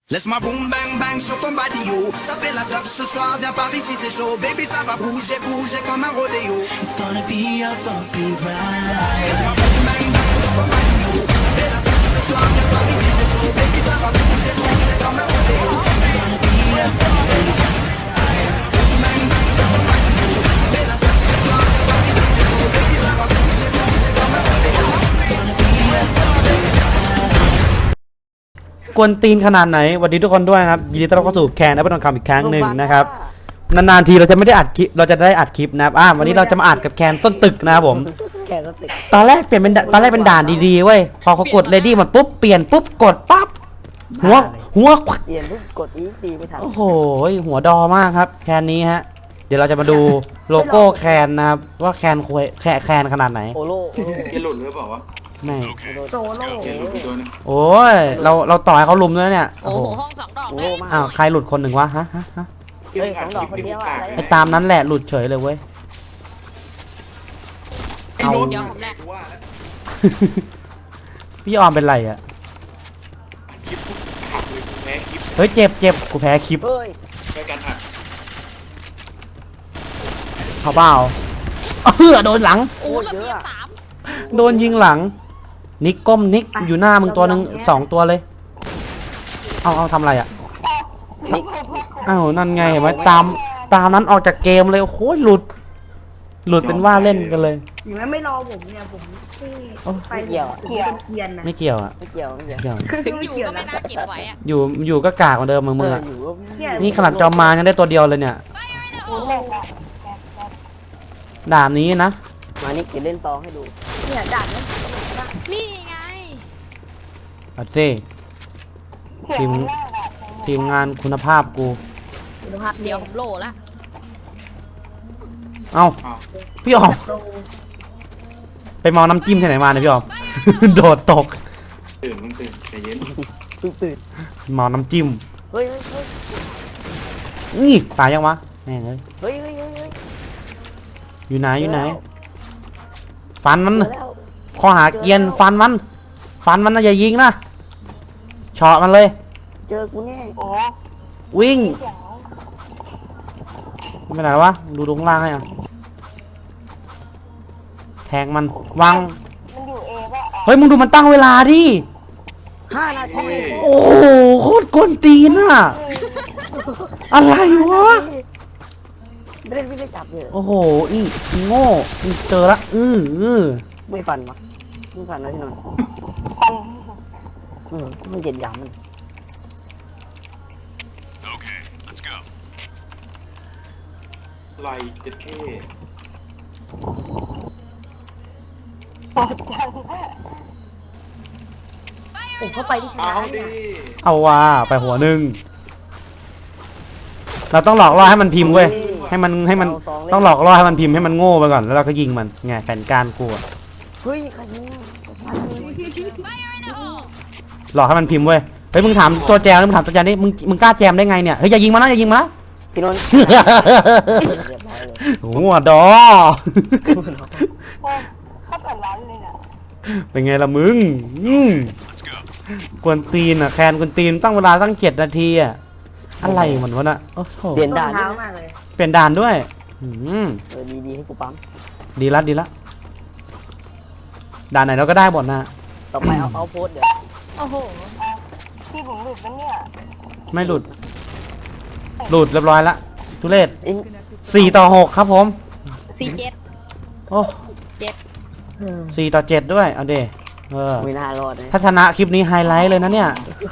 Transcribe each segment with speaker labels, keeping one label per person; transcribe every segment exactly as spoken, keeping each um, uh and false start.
Speaker 1: Laisse-moi boum bang bang sur ton body yo. Ça fait la teuf ce soir, viens par ici c'est chaud. Baby ça va bouger, bouger comme un rodéo.
Speaker 2: It's gonna be a bumpy ride.
Speaker 1: Laisse-moi boum bang bang sur ton body yo. Ça fait la teuf ce soir, viens par ici c'est chaud. Baby ça va bouger, bouger comme un rodéo.
Speaker 2: It's gonna be a bumpy ride.
Speaker 1: Boum bang bang sur ton body yo. Ça fait la teuf ce soir, viens par ici c'est chaud. Baby ça va bouger, bouger comme un rodéo.
Speaker 2: It's gonna be a bumpy ride.
Speaker 3: กวนตีนขนาดไหนสวัสดีทุกคนด้วยครับยินดีต้อนรับเข้าสู่แคนแอปเปิลทองคำอีกครั้งหนึ่งนะครับนานๆทีเราจะไม่ได้อัดคลิปเราจะได้อัดคลิปนะครับอ่าวันนี้เราจะมาอัดกับแคนส้นตึกนะครับผม
Speaker 4: แค่สติก
Speaker 3: ตอนแรกเปลี่ยนเป็นตอนแรกเป็นด่านดีๆเว้ยพอเขากดเลดี้มันปุ๊บเปลี่ยนปุ๊บกดปั๊บหัวหัว
Speaker 4: เปลี่ยนปุ๊บกดอีตีไม่ทัน
Speaker 3: โอ้โหหัวดอมากครับแคนนี้ฮะเดี๋ยวเราจะมาดูโลโก้แคนนะครับว่าแคนคุยแคนแคนขนาดไหน
Speaker 4: โอโล
Speaker 5: เกหลุดหรือเปล่าวะ
Speaker 3: ไม่
Speaker 4: โซโล
Speaker 5: เกหลุดไปตัวนึง
Speaker 3: โอ้ยเราเราต่อให้เขาลุมด้วยเนี่ย
Speaker 6: โอ้
Speaker 3: โอ้
Speaker 6: โห
Speaker 3: โห
Speaker 6: ห้องสองดอก
Speaker 4: โอ
Speaker 6: เล
Speaker 4: โล
Speaker 6: ย
Speaker 4: มาก
Speaker 3: อ้าวใครหลุดคนหนึ่งวะฮะฮะฮะ
Speaker 4: เฮ้ยสองดอกคนเดียวอะ
Speaker 3: ไอ้ตามนั้นแหละหลุดเฉยเลยเว้ย
Speaker 5: ไอ้โดนเดี๋ยวผมแรกว่าแล้ว
Speaker 3: พี่ออมเป็นไรอ่ะ
Speaker 5: คลิปหักเลยแพ้คลิป
Speaker 3: เฮ้ยเจ็บเจ็บกูแพ้คลิป
Speaker 4: เฮ้ย
Speaker 5: แพ้การหัก
Speaker 3: เขาเปล่าเฮ้อโดนหลัง
Speaker 6: โอ้ระเบียบสาม
Speaker 3: โดนยิงหลังนิกก้มนิกอยู่หน้ามึงตัวหนึ่งสองตัวเลยเอาเอาทำอะไรอ่ะ
Speaker 4: นิก
Speaker 3: อ้าวนั่นไงเห็นไหมตามตามนั้นออกจากเกมเลยโอ้โหหลุด หลุดเป็นว่าเล่นกันเลย
Speaker 7: อย่างนั้นไม่รอผมเนี่ยผมที่ไป
Speaker 4: ไม่เกี่ยวอะ
Speaker 7: ผมเป็นเกียนนะ
Speaker 3: ไม่เกี่ยวอ่ะ
Speaker 4: ไม่เกี่ยวไม่เกี่ยว
Speaker 3: เกี่ยว
Speaker 6: ถึงอยู่ก็ไม่น่าเก็บไว้อะ
Speaker 3: อยู่อยู่ก็กากเหมือนเดิมมือมืออะ
Speaker 4: อยู่ก็
Speaker 7: เนี่ย
Speaker 3: นี่ขนาดจอมมายังได้ตัวเดียวเลยเนี่ยด่านนี้นะ
Speaker 4: มานิกจะเล่นตองให้ดู
Speaker 7: เนี่ยด่านนี้
Speaker 6: นี่ไง
Speaker 3: อัดซี่ทีมทีมงานคุณภาพกู
Speaker 7: คุณภาพ
Speaker 6: เดี๋ยวผมโหลละ
Speaker 3: เอ้า
Speaker 5: อ้าว
Speaker 3: พี่ออม
Speaker 7: โต
Speaker 3: ไปเมาน้ำจิ้มที่ไหนมาเนี่ยพี่ออม โดดตก
Speaker 5: ตื่นมึงตื่นใจเย็น
Speaker 4: เพิ่งตื่น
Speaker 3: เมาน้ำจิ้ม
Speaker 4: เฮ้ยเฮ้ยเฮ้ย
Speaker 3: นี่ตายยังวะแม่งเอ้ย
Speaker 4: เฮ้ยเฮ้ยเฮ้ยเฮ้ย
Speaker 3: อยู่ไหนอยู่ไหน ฟันมัน
Speaker 4: เจอแล้ว
Speaker 3: ข้อหาเกรียนฟันมัน ฟันมันนะอย่ายิงนะเฉาะมันเลย
Speaker 4: เจอกูแน่
Speaker 3: วิ่งไม่ไหนวะดูตรงล่างให้อ่ะแทงมันวางเฮ้ยมึงดูมันตั้งเวลาดิ
Speaker 4: ห้านาที
Speaker 3: โอ้โหโคตรกวนตีนอ่ะ อะไรวะ
Speaker 4: ไม่ได้ไม่ได้จับเลย
Speaker 3: โอ้โหอีอีโง่อีเจอละอืออือ
Speaker 4: ไม่ฟันวะไม่ฟันนะพี่นนท์เออมันเหยียดหยามมัน
Speaker 5: ไล่เจ็ดเค
Speaker 7: ผมเข้าไปที่ช
Speaker 5: เอา
Speaker 7: นะ
Speaker 5: ดิ
Speaker 7: เนี่ย
Speaker 3: เอาว่าไปหัวหนึ่งเราต้องหลอกล่อให้มันพิมพ์เว้ยให้มันให้มันต้องหลอกล่อให้มันพิมพ์ให้มันโง่ไปก่อนแล้วเราก็ยิงมันไงแผนการกูอะ
Speaker 4: เฮ้ยใครยิงอะฟันเลย
Speaker 3: หลอกให้มันพิมพ์เว้ยเฮ้ยมึงถามตัวแจมมึงถามตัวแจมนี่มึงมึงกล้าแจมได้ไงเนี่ยเฮ้ยอย่ายิงมันนะอย่ายิงมันนะ
Speaker 4: พี่นนท์เรียบร้อยเลย
Speaker 3: หัวดอเป็นไงล่ะมึงอืมกวนตีนอ่ะแคนกวนตีนตั้งเวลาตั้งเจ็ดนาทีอ่ะอะไรมันวะน่ะโอ้โห
Speaker 4: เปลี่ยน
Speaker 7: รอ
Speaker 4: ด่าง น
Speaker 7: เท้า
Speaker 4: ด้วยนะ
Speaker 7: มากเลย
Speaker 3: เปลี่ยนด่านด้วยอืม
Speaker 4: เออดีดีให้กูปั๊ม
Speaker 3: ดีละดีละด่านไหนเราก็ได้หมดนะ
Speaker 4: ต่อไปเอาเอาโพสต์เดี๋ยว
Speaker 6: โอ้โห
Speaker 3: ไม่หลุด หลุดเรียบร้อยละทุเรศ
Speaker 4: เอ็ง
Speaker 3: สี่ต่อหกครับผม
Speaker 6: สี่เจ็ด
Speaker 3: โอ้
Speaker 6: เจ็ด
Speaker 3: สี่ต่อเจ็ดด้วยเอาเดเออ
Speaker 4: ไม่น่ารอดนะ
Speaker 3: ถ้าชนะคลิปนี้ไฮไลท์เลยนะเนี่ย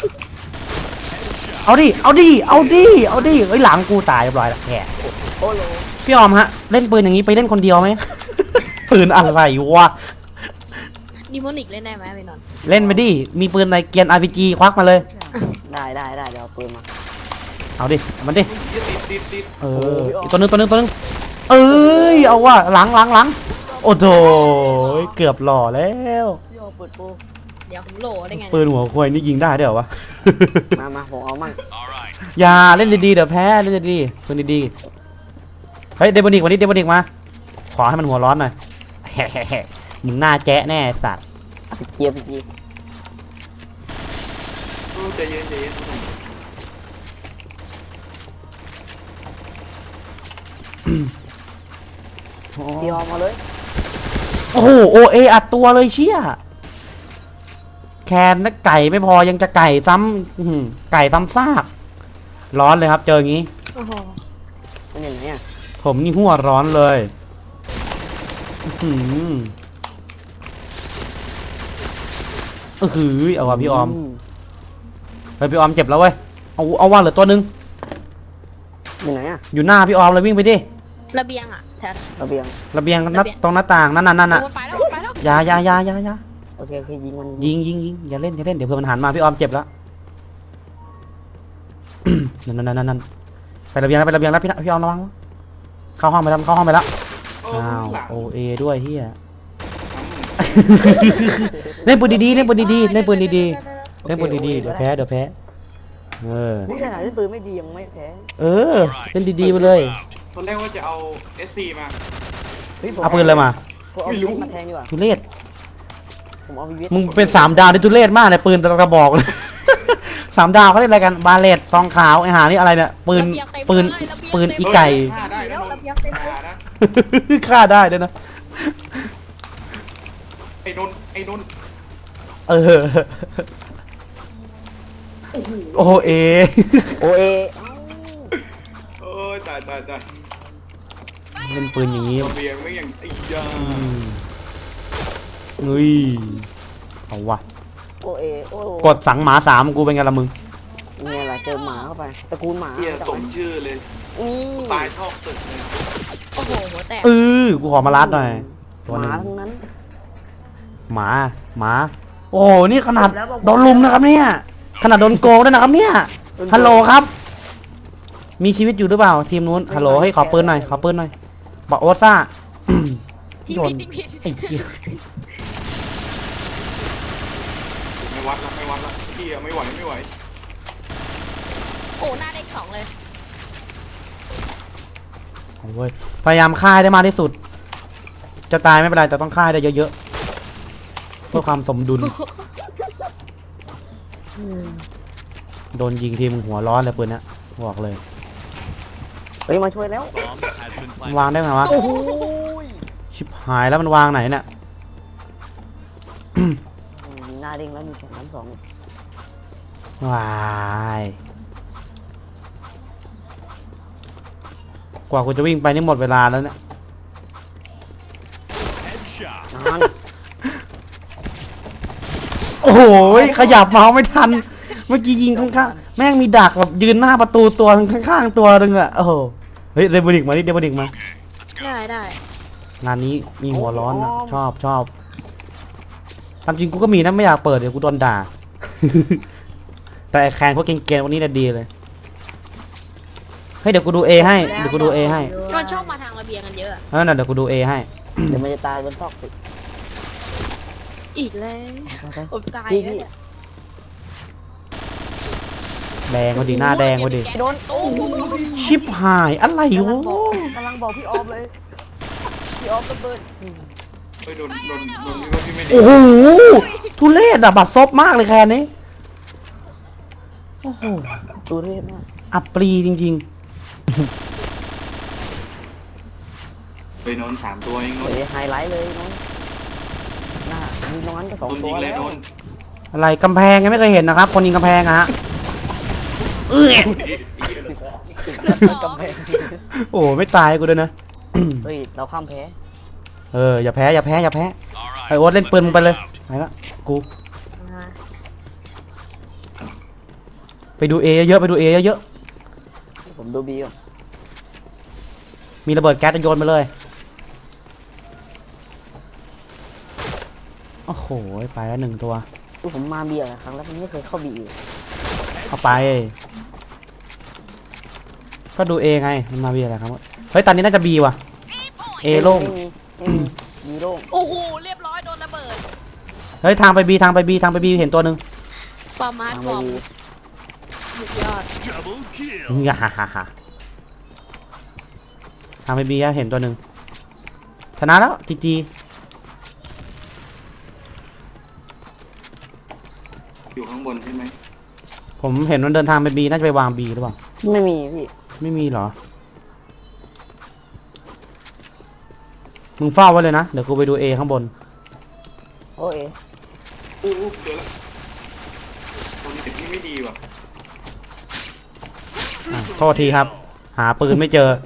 Speaker 3: เอาดิ เอาดิ เอาดิ เอาดิเอ้ยหลังกูตายเรียบร้อยแล้วแก
Speaker 4: โอ้โห
Speaker 3: พี่ออมฮะ เล่นปืนอย่างนี้ไปเล่นคนเดียวไหม ปืนอะไรวะ
Speaker 6: ดิโมนิกเล่นได้ไหมพี่นนท์
Speaker 3: เล่นไปดิ มีปืนอะไรเกียร์ อาร์ พี จี ควักมาเลย
Speaker 4: ได้ได้ได้เดี๋ยวเอาปืนมา
Speaker 3: เอาดิเอามันดิ
Speaker 5: ติดติดติดติด
Speaker 3: เอออีกตัวหนึงตัวหนึงตัวหนึงเอ้ย เอาว่ะหลังหลังหลังโอ้โถเกือบหล่อแล้ว
Speaker 4: พี่โอเปิดโปร
Speaker 6: เดี๋ยวผมโหลได้ไง
Speaker 3: ปืนหัวควายนี่ยิงได้ด้วยเหรอวะ
Speaker 4: มามาผมเอามั่ง
Speaker 3: อย่าเล่นดีๆเดี๋ยวแพ้เล่นดีๆปืนดีๆเฮ้ยเดบอนิกวันนี้เดบอนิกมา ขอให้มันหัวร้อนหน่อย แฮ่ๆๆมึงหน้าแจ๊ะแน่สัตว์
Speaker 4: เกียร์พี่จี
Speaker 5: ใจเย็นใจเย็น
Speaker 4: พี่ออมมาเลย
Speaker 3: โอ้โหโอเออัดตัวเลยเชี่ยแคนนักไก่ไม่พอยังจะไก่ซ้ำอื้อหือไก่ซ้ำซากร้อนเลยครับเจออย่างนี้
Speaker 6: โอ้โห
Speaker 4: เป็นอย่างนี้
Speaker 3: ผมนี่หัวร้อนเลยอื้อหือเออหือเอาว่ะพี่ออมเฮ้ยพี่ออมเจ็บแล้วเว้ยเอาเอาว่าเหลือตัวหนึง
Speaker 4: อยู่ไหนอ่ะ
Speaker 3: อยู่หน้าพี่ออมเลยวิ่งไปดิ
Speaker 6: ระเบียงอ่ะแถว
Speaker 4: ระเบียง
Speaker 3: ระเบียงนัดตรงหน้าต่างนั่นน่ะนั่นน่ะ
Speaker 6: โอ้ไปแล้วไปแล้ว
Speaker 3: อยาอยาอยาอยาอยา
Speaker 4: โอเคโอเคยิงมัน
Speaker 3: ยิงยิงยิงอย่าเล่นอย่าเล่นเดี๋ยวเพื่อนมันหันมาพี่ออมเจ็บแล้ว นั่นนั่นนั่นนั่นไประเบียงแล้วไประเบียงแล้วพี่พี่ออมระวังเข้าห้องไปแล้วเข้าห้องไปแล้ว
Speaker 5: โอ้
Speaker 3: อ้าว
Speaker 5: หลัง
Speaker 3: โอเอด้วยเฮียเล่นปืนดีๆเล่นปืนดีๆเล่นปืนดีๆเล่นปืนดีๆเดี๋ยวแพ้เดี๋ยวแพ้เออ
Speaker 4: นี่ขนาดที่ปืนไม่ดียังไม่แพ้
Speaker 3: เออเล่นดีๆไปเลย
Speaker 5: ตอนแรกว่าจะเอา เอส ซี มา
Speaker 4: ฮ้ยผม
Speaker 3: เอาปืนเลยมา
Speaker 4: ผมเอา
Speaker 5: ไม่
Speaker 4: วิ
Speaker 5: รู้
Speaker 4: วิทมาแทงดีกว่า
Speaker 3: ทุเรศ
Speaker 4: ผมเอาวิวิท
Speaker 3: มึงเป็นสามดาวในทุเรศมากเลยปืนแต่ละกระบอกเลย สามดาวเขาเรียกอะไรกันบาเลตซองขาวไอหานี่อะไรเนี่ยปืนปืนปืนอีไก่
Speaker 5: ฆ่าได้นะนนท์ฆ่านะ
Speaker 3: ฆ่าได้ด้วยนะ
Speaker 5: ไอ้นนท์ไอ้นนท์
Speaker 3: เออโอเอ
Speaker 4: โอเอ
Speaker 5: เอ้ยตายตายตาย
Speaker 3: เป็นปืนอย่างนี้
Speaker 5: ระเบียงไม่อย่างไอ้ยา
Speaker 3: อืมเฮ้ยเอาวะ
Speaker 4: โอเอโอ้
Speaker 3: กดสังหมาสามกูเป็นไงล่ะมึง
Speaker 4: เนี่ยแหละเจอหมาเข้าไปตระกูลหมา
Speaker 5: เฮียสมชื่อเลย
Speaker 4: นี่
Speaker 5: ตายชอบตึกเลย
Speaker 6: โอ้โหหัวแตก
Speaker 3: เออกูขอมาลัดหน่อยตัว
Speaker 4: ห
Speaker 3: หนึ
Speaker 4: มาง ทั้งนั้น
Speaker 3: หมาหมาโอ้โหนี่ขนาดโดนลุมนะครับเนี่ยขนาดโดนโกงด้วยนะครับเนี่ยฮัลโหลครับ มีชีวิตอยู่หรือเปล่าทีมนู้นฮัลโหลให้ขอปืนหน่อยขอปืนหน่อยบอกโอซ่า
Speaker 6: ที่
Speaker 3: โดน
Speaker 6: ผิดที่ผิด
Speaker 3: ไอ้เหี้ย
Speaker 5: ไม่วัดละไม่วัดละเฮียไม่ไหวไม่ไหว
Speaker 6: โอ้หน้าเด็กสองเลย
Speaker 3: เอาเว้ยพยายามฆ่าให้ได้มากที่สุด จะตายไม่เป็นไรแต่ต้องฆ่าให้ได้เยอะๆเพื่อความสมดุลโดนยิงทีมึงหัวร้อนเลยปืนเนี้ยบอกเลย
Speaker 4: เฮ้ยมาช่วยแล้ว
Speaker 3: มันวางได้ไงวะ
Speaker 6: โอ้โห
Speaker 3: ชิบหายแล้วมันวางไหนเนี่ย
Speaker 4: อืมมีหน้าเด้งแล้วมีสองน้ำสอง
Speaker 3: วายกว่ากูจะวิ่งไปนี่หมดเวลาแล้วเนี่ย
Speaker 4: นาน
Speaker 3: โอ้โหขยับเมาส์ไม่ทัน เมื่อกี้ยิงข้างๆแม่งมีดักแบบยืนหน้าประตูตัวข้างๆตัวนึงอะโอ้โหเฮ้ยเดบนิกมาดิเดบนิกมา
Speaker 6: ได้ได้
Speaker 3: งานนี้มีหัวร้อนอะชอบชอบตามจริงกูก็มีนะไม่อยากเปิดเดี๋ยวกูโดนด่า แต่ไอ้แคนพวกเก่งๆวันนี้น่ะดีเลยเฮ้ยเดี๋ยวกูดูเอให้เดี๋ยวกูดูเอให้
Speaker 6: มันชอบมาทางระเบียงกันเยอะอะ
Speaker 3: เออน่ะเดี๋ยวกูดูเอให้
Speaker 4: เดี๋ยวมันจะตายบนซอกตึก
Speaker 6: อีกแล้วผมตาย
Speaker 4: พี่
Speaker 6: แล้ว
Speaker 4: พี่
Speaker 6: เนี่ย
Speaker 3: แดงพอดีหน้าแดงพอดี
Speaker 4: โดน
Speaker 6: โอ้โห
Speaker 3: ชิบหายอะไร
Speaker 4: กำลั
Speaker 3: วะ
Speaker 4: งบอกกำลังบอกพี่ออฟเลยพี่ออฟระเบิดอืม
Speaker 5: เฮ้ยนนท์นนท์นนท์นี่ว่าพี่ไม่ดี
Speaker 3: โอ้โหทุเรศอะบัดซบมากเลยแคนนี้โอ้โห
Speaker 4: ตัวเทพมาก
Speaker 3: อับปรีจริง
Speaker 5: เฮ้ยนนท์สามตัวเองน
Speaker 4: เฮ้
Speaker 5: นท์
Speaker 4: ยไฮไลท์เลยน้องหน้ายิงตรงนั้นก็สอง
Speaker 5: นนท์
Speaker 4: ตั
Speaker 5: ยิ
Speaker 4: ว
Speaker 5: งเลย
Speaker 4: แล้ว
Speaker 5: นนท์
Speaker 3: ๆ อะไรกำแพงยังไม่เคยเห็นนะครับ คนยิงกำแพงอะฮะเอ้ย
Speaker 4: กำแพง
Speaker 3: โอ้ไม่ตายกูด้วยนะ
Speaker 4: เฮ้ยเราข้ามแพ้
Speaker 3: เอออย่าแพ้อย่าแพ้อย่าแพ้ไอโอ๊ตเล่นปืนมึงไปเลยไปละกู
Speaker 6: มา
Speaker 3: ไปดูเอเยอะๆไปดูเอเยอะ
Speaker 4: ผมดูบีก่อน
Speaker 3: ๆมีระเบิดแก๊สจะโยนไปเลยโอ้โหไปแล้วหนึ่งตัว
Speaker 4: คือผมมาบีอะครั้งแล้วมันไม่เคยเข้าบีเลย
Speaker 3: เอาไป ก็ดูเอไงมันมาบีอะไรครับเฮ้ยตอนนี้น่าจะบีว่ะเอโล่ง
Speaker 4: ไม่มีไม่มีบีโล่ง
Speaker 6: โอ้โหเรียบร้อยโดนระเบิด
Speaker 3: เฮ้ยทางไปบีทางไปบีทางไปบีเห็นตัวหนึ่ง
Speaker 6: ปามาร์
Speaker 4: ทาง
Speaker 6: บ
Speaker 4: มา
Speaker 6: อม
Speaker 4: บี
Speaker 6: สุดยอด
Speaker 3: ฮ่าฮ่าฮ่าฮ่าทางไปบีอะเห็นตัวหนึ่งชนะแล้วจีจี
Speaker 5: อยู่ข้างบนใช่ไหม
Speaker 3: ผมเห็นมันเดินทางไปบีน่าจะไปวางบีหรือเปล่า
Speaker 4: ไม่มีพี่
Speaker 3: ไม่มีเหรอมึงเฝ้าไว้เลยนะ เดี๋ยวกูไปดูเอข้างบน
Speaker 4: โอ้ย
Speaker 5: อู้อู้เจอแล้วตัวนี้เด็กนี่ไม่ดีว่ะ
Speaker 3: อ่ะโทษทีครับ หาปืนไม่เจอ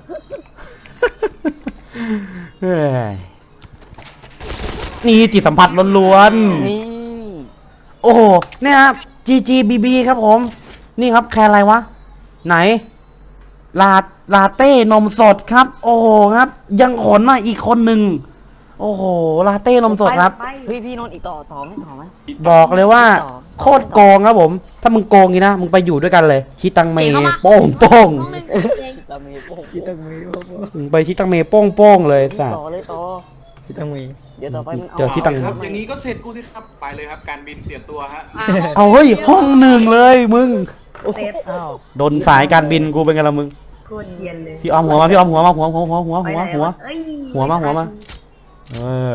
Speaker 3: เฮ้ยนี่จิตสัมผัสล้วน
Speaker 4: นี่
Speaker 3: ๆ โอ้โหเนี่ยครับ จี จี บี บี ครับผม นี่ครับแคร์อะไรวะ ไหน ลา ลาเต้นมสดครับ โอ้โหครับ ยังขนมาอีกคนหนึ่ง โอ้โห ลาเต้นมสดครับ
Speaker 7: ไป
Speaker 4: พี่พี่นนท์อีกต่อต่อไหมต่อไหม
Speaker 3: บอกเลยว่า โคตรโกงครับผม ถ้ามึงโกงงี้นะ มึงไปอยู่ด้วยกันเลย ชิตังเม
Speaker 6: เอ๋เข้ามา
Speaker 3: โป้งโป้ง
Speaker 6: ห้องหนึ่งเอง
Speaker 4: ตามีโป้ง
Speaker 2: คิดตั้งมือพ่อพ่อ
Speaker 3: มึงไปชิตังเมโป้งโป้งเลยสัต
Speaker 4: ต่
Speaker 3: ว์
Speaker 4: อเลยต่อ
Speaker 2: คิดตั้งมือ
Speaker 4: เดี๋ยวต่อไปมันเอา
Speaker 3: เจอที่ตัง
Speaker 5: ครับอย่างนี้ก็เสร็จกูที่ครับไปเลยครับการบินเสียตัวฮะ
Speaker 3: เอาเฮ้ย ห้องหนึ่งเลยมึง
Speaker 7: เซฟ
Speaker 4: อ้าว
Speaker 3: โดนสายการบินกูเป็นไงล่ะมึง
Speaker 7: โคตรเย็นเลย
Speaker 3: พี่ออมหัวมา พี่ออมหัวมาหัวหัวหัวหัว
Speaker 7: ไป
Speaker 3: หัว
Speaker 7: ไหน
Speaker 3: หัว
Speaker 7: เอ้ย
Speaker 3: หัวมาหัวมา เออ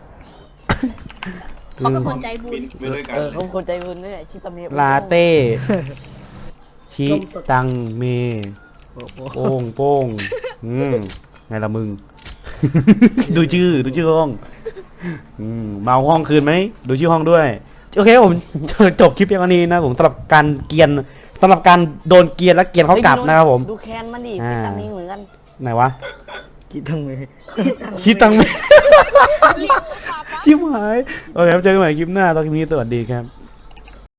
Speaker 6: เขาเป็นคนใจบุ
Speaker 5: บิ
Speaker 6: ญ
Speaker 5: นไปด้วยกัน
Speaker 4: เออเขาคนใจบุญด้วยชิตาเมะ
Speaker 3: ลาเต้ ชิตังเม โป้งโป้งอืมไงล่ะมึง ดูชื่อ ดูชื่อห้อง อืมเมาห้องคืนไหม ดูชื่อห้องด้วย โอเคผม จบคลิปเพียงเท่านี้นะผมสำหรับการเกรียนสำหรับการโดนเกรียนและเกรียนเขากลับนะครับผม
Speaker 4: ดูแคนมันดิ
Speaker 3: อ่า
Speaker 4: ชิตาเมะเหมือนกัน
Speaker 3: ไหนวะ
Speaker 2: คิดตั้งมือ
Speaker 3: ชิตังเม
Speaker 6: เรียกว่าปาปะ
Speaker 3: ชิบหาย โอเคครับเจอกันใหม่คลิปหน้าตอนนี้สวัสดีครับ